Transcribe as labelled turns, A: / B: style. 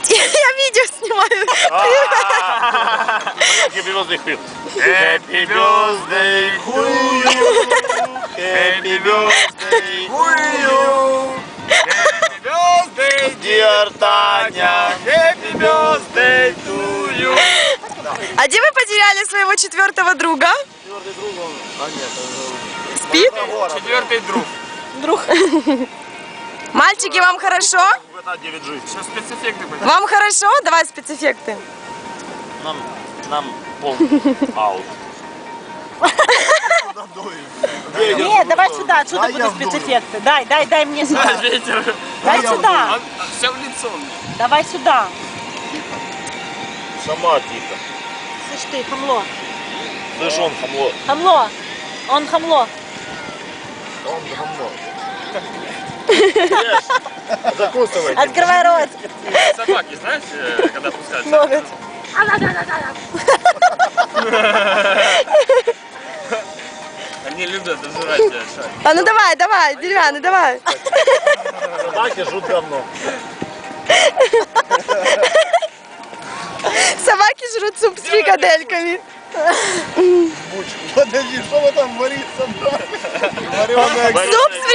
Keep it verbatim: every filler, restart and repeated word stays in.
A: Я видео снимаю.
B: Happy birthday, Phil. Happy birthday to you. Happy birthday to you. Happy birthday, dear Таня. Happy birthday to you.
A: А где вы потеряли своего четвертого друга?
B: Четвертый друг он. А нет,
A: Спит?
B: четвертый друг.
A: Друг. Мальчики, вам хорошо?
B: девять жизней.
C: Сейчас спецэффекты будут.
A: Вам хорошо? Давай спецэффекты.
B: Нам, нам полный аут.
D: Нет, давай сюда, отсюда будут спецэффекты. Дай, дай, дай мне сюда.
C: Ветер.
D: Дай сюда.
C: Все в лицо мне.
D: Давай сюда.
B: Сама тихо.
D: Слышь ты, хамло.
B: Слышь, он хамло.
D: Хамло. Он хамло.
B: Он хамло. Закусывай.
D: Открывай рот.
C: Собаки, знаешь, когда пускают?
D: Ноготь.
C: Они любят дожирать шарик.
A: А ну давай, давай, деревянный, давай.
B: Собаки жрут говно.
A: Собаки жрут суп с фрикадельками.
B: Подожди, что вы там варится?
A: Суп с